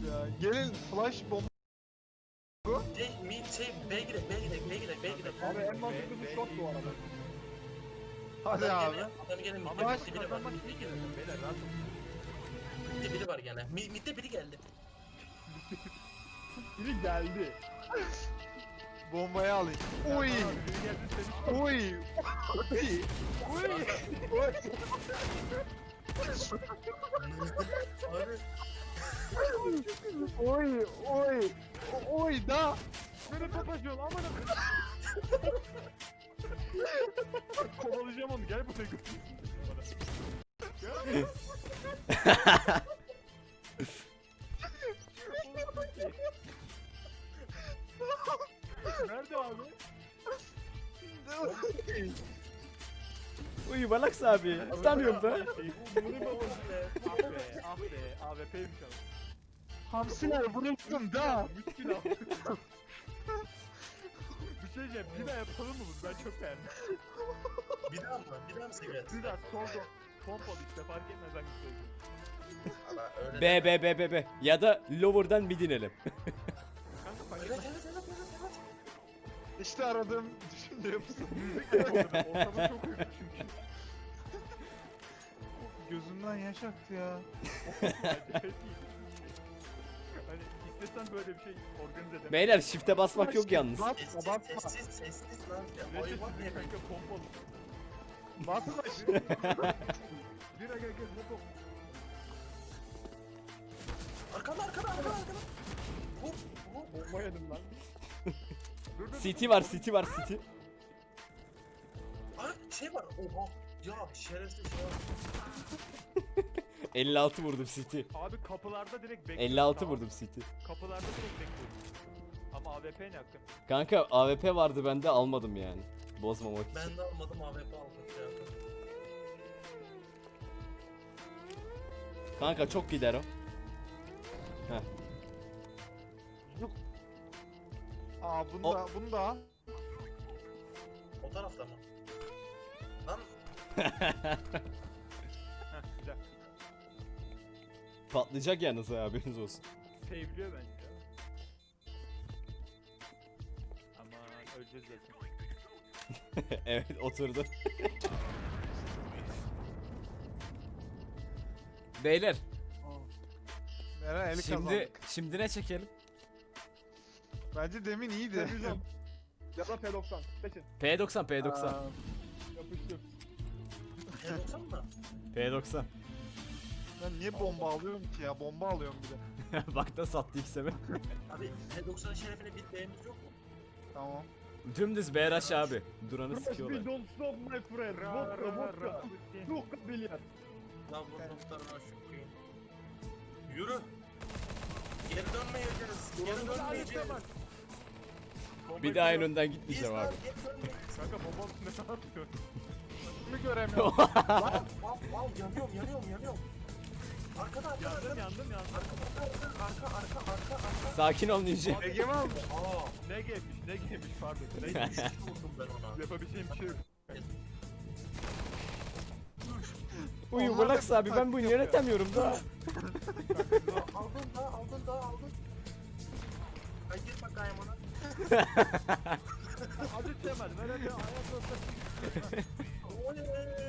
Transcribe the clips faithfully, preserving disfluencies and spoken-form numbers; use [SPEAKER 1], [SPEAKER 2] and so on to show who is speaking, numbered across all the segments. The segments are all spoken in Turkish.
[SPEAKER 1] ya. Gelin flash bomba.
[SPEAKER 2] Şey, mi, şey, B girek, B girek, B girek, B girek.
[SPEAKER 3] Abi en mantıklısı shot bu arada.
[SPEAKER 1] Hadi
[SPEAKER 2] Adam
[SPEAKER 1] abi.
[SPEAKER 2] gene- Adam gene midde
[SPEAKER 1] Ama
[SPEAKER 2] midde biri var,
[SPEAKER 3] kazanmak
[SPEAKER 2] midde
[SPEAKER 3] iyi
[SPEAKER 2] biri var.
[SPEAKER 3] girelim beyler rahat olun.
[SPEAKER 2] Midde biri var gene. Mi, midde biri geldi.
[SPEAKER 3] Biri geldi.
[SPEAKER 1] Bombayı alayım. Oy.
[SPEAKER 3] Abi biri geldi seni.
[SPEAKER 1] Oy. Oy. Oy. Oy.
[SPEAKER 2] Abi
[SPEAKER 1] Oy. Oy. Oy da.
[SPEAKER 3] Beni topacıyorsun aman akıllı. Kovalayacağım onu gel buraya götür. Gel. Nerede abi?
[SPEAKER 4] Uy Balax abi. Tutamıyorum da.
[SPEAKER 3] Ah be, ah be, A W P'ymiş ama.
[SPEAKER 1] Hamsiler bıraktım da.
[SPEAKER 3] Müşkül abi. Bir şey diyeceğim, bir daha yapalım mı bunu? Ben çok beğendim.
[SPEAKER 2] bir daha mı? Bir daha mı sigaret?
[SPEAKER 3] Bir daha solda pompalı işte fark etmez hangisi söyleyeyim.
[SPEAKER 2] Ama öyle
[SPEAKER 4] B B B B B. Ya da lower'dan mid inelim.
[SPEAKER 3] Kanka fark
[SPEAKER 2] Evet,
[SPEAKER 3] etmez.
[SPEAKER 2] evet, evet, evet, evet.
[SPEAKER 1] İşte aradığım düşünce yapısı.
[SPEAKER 3] Müzik yapalım. Ortamı çok uygun çünkü.
[SPEAKER 1] Gözümden yaş aktı ya.
[SPEAKER 3] Acayip iyi. Hani istesen böyle bir şey organize edemem.
[SPEAKER 4] Beyler shift'e basmak yok yalnız.
[SPEAKER 1] Basma
[SPEAKER 2] Sessiz,
[SPEAKER 1] basma.
[SPEAKER 2] sessiz, sessiz lan. Ya,
[SPEAKER 3] Neyse
[SPEAKER 2] hayvan
[SPEAKER 3] sizin
[SPEAKER 2] yemin.
[SPEAKER 3] kanka pompalı.
[SPEAKER 1] Basma.
[SPEAKER 3] Bir aga gel hop hop.
[SPEAKER 2] Arkada, arkada, arkada, arkada. Hop, hop.
[SPEAKER 3] Bomba yedim lan. Dur, dur,
[SPEAKER 4] City
[SPEAKER 3] dur.
[SPEAKER 4] var, City var, City.
[SPEAKER 2] Ay şey var. Oha. Ya şerefsiz ya.
[SPEAKER 4] elli altı vurdum City.
[SPEAKER 3] Abi kapılarda direkt bekliyorum.
[SPEAKER 4] elli altı
[SPEAKER 3] tamam.
[SPEAKER 4] vurdum City.
[SPEAKER 3] Kapılarda direkt bekliyorum. Ama A W P ne hakkı?
[SPEAKER 4] Kanka A W P vardı bende almadım yani. Bozmamak için.
[SPEAKER 2] Ben de almadım A W P aldım. Ya.
[SPEAKER 4] Kanka çok gider o. Heh.
[SPEAKER 1] Aa bunu
[SPEAKER 4] O-
[SPEAKER 1] da bunu da al.
[SPEAKER 2] O tarafta mı? Lan
[SPEAKER 3] Heh güzel.
[SPEAKER 4] Patlayacak yalnız ha, haberiniz olsun.
[SPEAKER 3] Seviliyor bence. Aman öleceğiz zaten.
[SPEAKER 4] Evet oturdu. Beyler
[SPEAKER 1] Meral eli
[SPEAKER 4] şimdi
[SPEAKER 1] kazandık.
[SPEAKER 4] şimdi ne çekelim?
[SPEAKER 1] Bence demin iyiydi.
[SPEAKER 3] Televizyon. Ya da P doksan. Seçin.
[SPEAKER 4] P doksan P doksan.
[SPEAKER 1] Aa,
[SPEAKER 3] Yapıştır.
[SPEAKER 2] P doksan mı?
[SPEAKER 4] P doksan.
[SPEAKER 1] Ben niye bomba alıyorum ki ya? Bomba alıyorum bir de.
[SPEAKER 4] Bak da sattı ilk sefer.
[SPEAKER 2] Abi P doksanın şerefine bir B'miz yok mu?
[SPEAKER 1] Tamam.
[SPEAKER 4] Dümdüz B rush abi. Duranı
[SPEAKER 3] Crosby
[SPEAKER 4] sikiyorlar.
[SPEAKER 3] don't stop my friend. Vodka vodka. Vodka bilyar.
[SPEAKER 2] Lan bu noktalarına şükür. Yürü. Geri dönmeyeceğiz. Geri dönmeyeceğiz.
[SPEAKER 4] Bir daha en önden
[SPEAKER 2] Biz
[SPEAKER 4] gitmeyeceğim
[SPEAKER 2] lan
[SPEAKER 4] abi.
[SPEAKER 2] geri dönmeyiz.
[SPEAKER 3] Kanka bombanın üstünde ne yapıyor?
[SPEAKER 1] Bunu göremiyorum.
[SPEAKER 2] Lan al al yanıyorum yanıyorum yanıyorum. Arkada arkada
[SPEAKER 3] Yandım
[SPEAKER 2] arkada.
[SPEAKER 3] yandım yandım.
[SPEAKER 2] Arka arka arka arka arka.
[SPEAKER 4] Sakin ol ninja.
[SPEAKER 1] Ege mi almış?
[SPEAKER 2] Aa.
[SPEAKER 3] Ne gelmiş ne gelmiş pardon. Ne
[SPEAKER 2] Ne
[SPEAKER 3] gelmiş?
[SPEAKER 2] vurdum ben ona.
[SPEAKER 3] Yapabileceğim bir şey yok.
[SPEAKER 4] Uyu
[SPEAKER 1] Onlar da
[SPEAKER 4] Balax abi ben bunu
[SPEAKER 1] taktik
[SPEAKER 4] yönetemiyorum da.
[SPEAKER 2] Aldın da aldın da aldın. Ay git bakayım ona.
[SPEAKER 3] Hadi Cemal ver hadi ayak ortası.
[SPEAKER 2] Oley.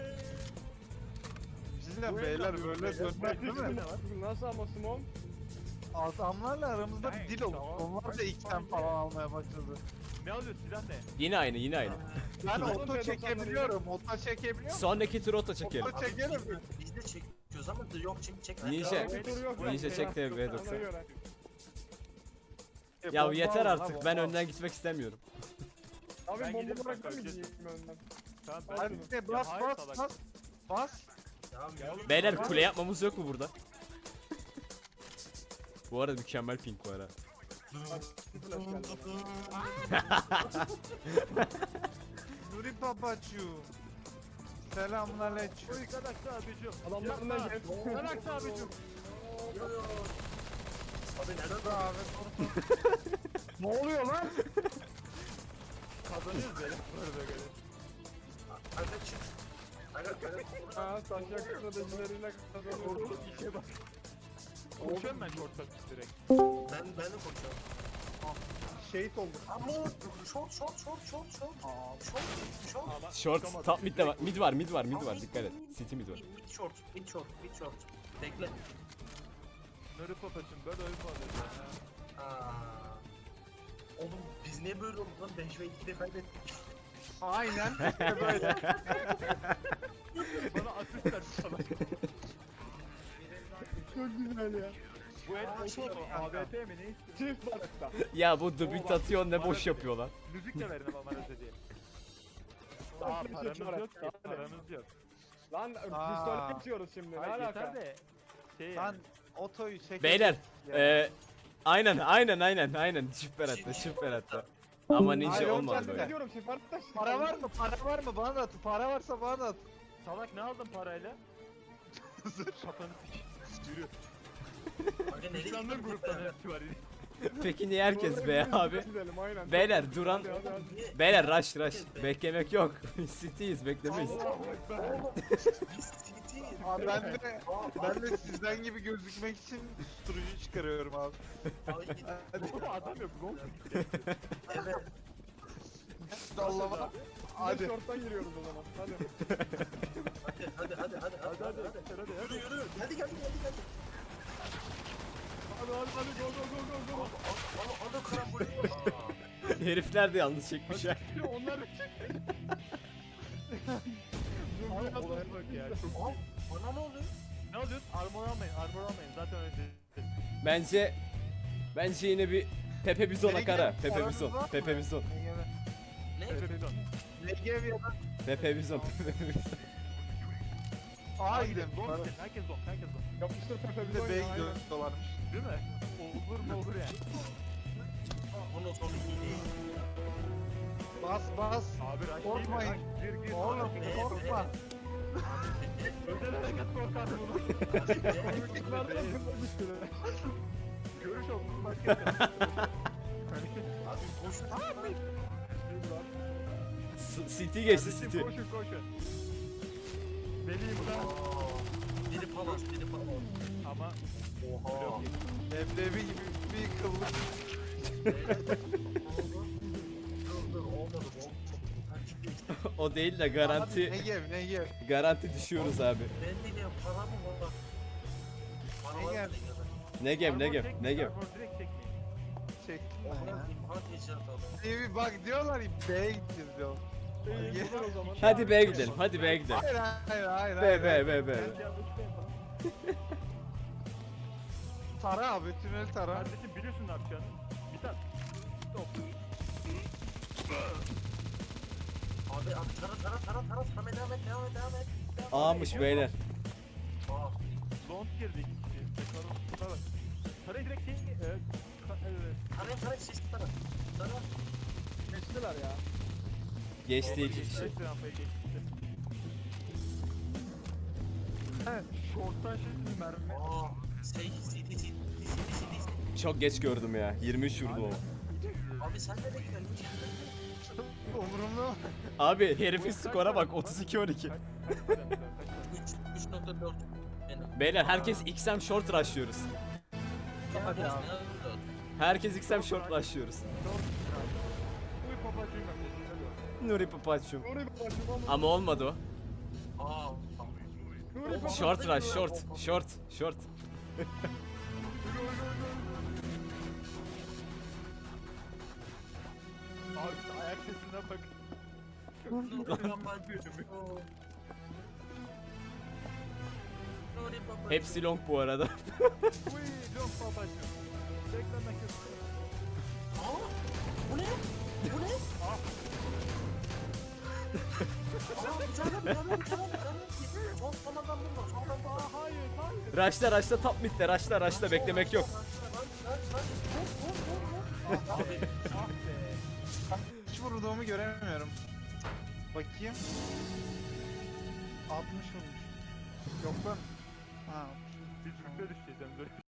[SPEAKER 1] Bizimle beyler böyle dönmek değil mi?
[SPEAKER 3] Nasıl ama Simon?
[SPEAKER 1] Adamlarla aramızda bir dil oldu.
[SPEAKER 3] Tamam.
[SPEAKER 1] Onlar da ilkten falan almaya başladı.
[SPEAKER 3] Ne alıyor silah ne?
[SPEAKER 4] Yine aynı yine aynı.
[SPEAKER 1] Ben
[SPEAKER 3] Oğlum,
[SPEAKER 1] oto
[SPEAKER 3] ben
[SPEAKER 1] çekebiliyorum. Oto çekebiliyorum.
[SPEAKER 4] Sondaki tur ota çekelim.
[SPEAKER 1] Oto çekelim mi?
[SPEAKER 2] Biz de çekiyoruz ama yok şimdi çek.
[SPEAKER 4] Ninja.
[SPEAKER 3] Motor
[SPEAKER 4] Ninja çek de B doksan.
[SPEAKER 3] Ona göre.
[SPEAKER 1] E,
[SPEAKER 4] Ya
[SPEAKER 1] bomba
[SPEAKER 4] yeter
[SPEAKER 1] al,
[SPEAKER 4] artık
[SPEAKER 1] ha,
[SPEAKER 4] ben
[SPEAKER 1] bomba al.
[SPEAKER 4] önden gitmek istemiyorum.
[SPEAKER 3] Abi Ben bomba giderim bırakır kanka, mıyız öleceğiz. önden? Tamam ben
[SPEAKER 1] Hadi
[SPEAKER 3] gidiyorum.
[SPEAKER 1] de bas
[SPEAKER 3] Ya hayır
[SPEAKER 1] bas
[SPEAKER 3] salak.
[SPEAKER 1] bas. Bas.
[SPEAKER 2] Tamam oğlum.
[SPEAKER 4] Beyler kule yapmamız yok mu burada? Bu arada mükemmel pink var ha.
[SPEAKER 3] Flash geldi.
[SPEAKER 1] Nuri babacığım. Selamünaleyküm.
[SPEAKER 3] Oy Galax abicim.
[SPEAKER 5] Adamlar
[SPEAKER 3] Yapma.
[SPEAKER 5] ne geldi?
[SPEAKER 3] Galax abicim.
[SPEAKER 2] Abi neden
[SPEAKER 1] Dur abi.
[SPEAKER 5] Ne oluyor lan?
[SPEAKER 3] Kazanıyoruz böyle. Böyle böyle.
[SPEAKER 2] Hadi çık. Hadi hadi.
[SPEAKER 5] Ha taşak stratejileriyle kazanıyoruz.
[SPEAKER 3] İşe bak. Koşuyorum ben short'a direkt.
[SPEAKER 2] Ben, ben de koşuyorum.
[SPEAKER 5] Şehit oldu.
[SPEAKER 2] Ama short, short, short, short, short. Short, short.
[SPEAKER 3] Ama
[SPEAKER 4] Short
[SPEAKER 3] çıkamadım.
[SPEAKER 4] top mid de var. Mid var mid var mid
[SPEAKER 2] Ama
[SPEAKER 4] var
[SPEAKER 2] mid,
[SPEAKER 4] dikkat et.
[SPEAKER 2] mid,
[SPEAKER 4] City mid var.
[SPEAKER 2] Mid, mid short, mid short, mid short. Bekle.
[SPEAKER 3] Nuri papacım böyle oyun mu alıyorsun ya?
[SPEAKER 2] Aa. Oğlum biz niye böyle olduk lan? beş ve ikide kaybettik.
[SPEAKER 1] Aynen. İşte böyle.
[SPEAKER 3] Bana asist ver sana.
[SPEAKER 5] Çok güzel ya.
[SPEAKER 3] Bu el
[SPEAKER 2] Aa, şey,
[SPEAKER 3] o A B T mi ne istiyorsun?
[SPEAKER 5] Çift balıkta.
[SPEAKER 4] Ya bu debit atıyor ne boş yapıyor lan.
[SPEAKER 3] Müzik de verin ama bana ödediği. Aa paramız yok ki. Paramız yok.
[SPEAKER 5] Lan
[SPEAKER 1] Aa.
[SPEAKER 5] pistol geçiyoruz şimdi. Ne
[SPEAKER 3] Hayır yeter
[SPEAKER 5] alaka?
[SPEAKER 3] de. Şey
[SPEAKER 1] Lan
[SPEAKER 3] yani.
[SPEAKER 1] otoyu çek.
[SPEAKER 4] Beyler
[SPEAKER 1] Ya.
[SPEAKER 4] eee aynen aynen aynen aynen çift beratta çift beratta. Ama
[SPEAKER 5] Hayır,
[SPEAKER 4] ninja
[SPEAKER 5] oğlum,
[SPEAKER 4] olmadı
[SPEAKER 5] ben
[SPEAKER 4] böyle.
[SPEAKER 5] ne diyorum çift balıkta.
[SPEAKER 1] Para var mı? Para var mı? Bana da at. Para varsa bana da at.
[SPEAKER 3] Salak ne aldın parayla? Kafanı sikeyim. Yürü.
[SPEAKER 2] Aga nereye
[SPEAKER 3] İnsanların
[SPEAKER 2] gittin
[SPEAKER 3] gruptan
[SPEAKER 2] gruptan?
[SPEAKER 3] hepsi var.
[SPEAKER 4] Peki niye herkes be abi?
[SPEAKER 5] Gidelim aynen.
[SPEAKER 4] Beyler duran
[SPEAKER 5] Hadi, hadi, hadi.
[SPEAKER 4] beyler rush rush beklemek yok. City'yiz beklemeyiz.
[SPEAKER 2] Oğlum biz City.
[SPEAKER 1] Abi ben de
[SPEAKER 2] Aa,
[SPEAKER 1] ben de sizden gibi gözükmek için susturucu çıkarıyorum abi.
[SPEAKER 2] Ay,
[SPEAKER 3] Oğlum adam yok. Gong gitti.
[SPEAKER 2] evet.
[SPEAKER 1] Sallama.
[SPEAKER 5] Hadi.
[SPEAKER 1] Hadi.
[SPEAKER 5] Short'tan giriyoruz o zaman. Hadi.
[SPEAKER 2] Hadi hadi hadi hadi
[SPEAKER 3] Hadi hadi
[SPEAKER 2] hadi.
[SPEAKER 3] hadi hadi
[SPEAKER 2] Yürü
[SPEAKER 3] hadi.
[SPEAKER 2] yürü. Hadi hadi hadi hadi.
[SPEAKER 3] Hadi hadi hadi go go go go go.
[SPEAKER 2] Ana ana karambol. Aa.
[SPEAKER 4] Herifler de yalnız çekmiş ya.
[SPEAKER 3] Hadi onlar da çek. Abi nasıl bak ya. Çok-
[SPEAKER 2] Aa, bana ne oluyor?
[SPEAKER 3] Ne alıyorsun? Armor almayın, armor almayın. Zaten önce.
[SPEAKER 4] Bence bence yine bir Pepe Bizon
[SPEAKER 1] Nereye
[SPEAKER 4] akara.
[SPEAKER 1] gidelim?
[SPEAKER 4] Pepe
[SPEAKER 1] Paranız
[SPEAKER 4] Bizon.
[SPEAKER 1] var mı?
[SPEAKER 4] Pepe Bizon.
[SPEAKER 2] Ne?
[SPEAKER 3] Pepezon.
[SPEAKER 1] Negev ya da
[SPEAKER 4] Pepe Bizon. Pepe Bizon.
[SPEAKER 1] Aa gidelim.
[SPEAKER 3] Don
[SPEAKER 1] Para.
[SPEAKER 3] gidelim. Herkes don, herkes don.
[SPEAKER 5] Yapıştır Pepe
[SPEAKER 1] Bir
[SPEAKER 5] bir
[SPEAKER 1] de
[SPEAKER 5] oyun.
[SPEAKER 1] bey
[SPEAKER 5] Aynen.
[SPEAKER 1] gidiyorlarmış.
[SPEAKER 3] Değil mi? Olur mu olur yani.
[SPEAKER 2] Bunun sonu iyi değil.
[SPEAKER 1] Bas bas.
[SPEAKER 3] Abi rush
[SPEAKER 1] Korkmayın.
[SPEAKER 3] değil mi? Gir gir.
[SPEAKER 1] Oğlum
[SPEAKER 2] Ee,
[SPEAKER 1] korkma.
[SPEAKER 3] Özel hareket korkar bunu.
[SPEAKER 5] Nereden fırlamıştır?
[SPEAKER 3] Görüş olsun başka bir şey.
[SPEAKER 2] Abi koş.
[SPEAKER 4] S- City geçti
[SPEAKER 3] Kardeşim,
[SPEAKER 4] City.
[SPEAKER 3] Koşun koşun. Deliyim ben.
[SPEAKER 2] Aa, Biri palas, biri palas.
[SPEAKER 3] Ama
[SPEAKER 2] Oha.
[SPEAKER 1] Leblebi gibi bir kıllık.
[SPEAKER 2] Dur dur olmadı bu. Taktik değişti.
[SPEAKER 4] O değil de
[SPEAKER 1] Abi
[SPEAKER 4] garanti
[SPEAKER 1] Negev Negev.
[SPEAKER 4] garanti düşüyoruz abi.
[SPEAKER 2] Ben de ne para mı var? Para
[SPEAKER 1] Ne
[SPEAKER 2] var
[SPEAKER 1] gel-
[SPEAKER 2] mı?
[SPEAKER 4] Negev
[SPEAKER 3] armor
[SPEAKER 4] Negev
[SPEAKER 3] çekmeyin,
[SPEAKER 4] Negev.
[SPEAKER 3] armor direkt çekmeyin.
[SPEAKER 1] Çektim ben ya.
[SPEAKER 2] Oha imha tecrübet aldım.
[SPEAKER 1] Diye bir bak diyorlar ya B'ye gideceğiz diyor.
[SPEAKER 5] İyi buradan o zaman.
[SPEAKER 4] Hadi B'ye gidelim. Hadi B'ye gidelim.
[SPEAKER 1] Hayır hayır hayır.
[SPEAKER 4] B
[SPEAKER 1] hayır.
[SPEAKER 4] B B B.
[SPEAKER 3] Bence yanlış değil mi?
[SPEAKER 1] Tara abi tünel tara.
[SPEAKER 3] Kardeşim biliyorsun ne yapacağını. Bir tane. Stop.
[SPEAKER 2] Abi abi tara tara tara tara tara devam et devam et devam et. Devam et.
[SPEAKER 4] Ağmış beyler.
[SPEAKER 2] Aa,
[SPEAKER 3] Don't girdi iki kişi. Tekrar tutar bak. Parayı direkt şey... E, ka, e,
[SPEAKER 2] Tarayın tarayın siz tara. Tara.
[SPEAKER 5] Geçtiler ya.
[SPEAKER 4] Geçti iki kişi.
[SPEAKER 3] Neyse rampayı geçti. He, short'tan şimdi mermi.
[SPEAKER 2] Aa, şey city city city city.
[SPEAKER 4] Çok geç gördüm ya. yirmi üç vurdum ama.
[SPEAKER 2] Abi sen nereye gidiyorsun?
[SPEAKER 1] Umurumda mı?
[SPEAKER 4] Abi herifin skora bak otuz iki on iki.
[SPEAKER 2] üç üç nokta dört. Benim.
[SPEAKER 4] Beyler herkes X M short rushlıyoruz.
[SPEAKER 1] Hadi abi.
[SPEAKER 4] Herkes X M short rushlıyoruz.
[SPEAKER 3] Uy papacığım ben.
[SPEAKER 4] Nuri Papaçum.
[SPEAKER 5] Nuri babacım ama.
[SPEAKER 4] Ama olmadı o.
[SPEAKER 2] Aa.
[SPEAKER 5] Nuri babacım.
[SPEAKER 4] Short rush short short short.
[SPEAKER 3] Abi ayak sesine bak.
[SPEAKER 2] Nuri baba. Nuri baba.
[SPEAKER 4] Hepsi long bu arada.
[SPEAKER 3] Uy long papacığım. Beklemek istiyorum.
[SPEAKER 2] Aa, bu ne? Bu ne?
[SPEAKER 3] Ah.
[SPEAKER 2] Aa, bir tane bir tane bir tane bir tane. Son son adam bulma, son adam bulma.
[SPEAKER 3] Aa hayır hayır.
[SPEAKER 4] Rushla rushla top midde rushla rushla beklemek yok.
[SPEAKER 2] Abi,
[SPEAKER 3] Ah be.
[SPEAKER 1] Hiç vurduğumu göremiyorum. Bakayım. altmış vurmuş. Yok lan. Ha.
[SPEAKER 3] Biz rütbe düşeceğiz hem de.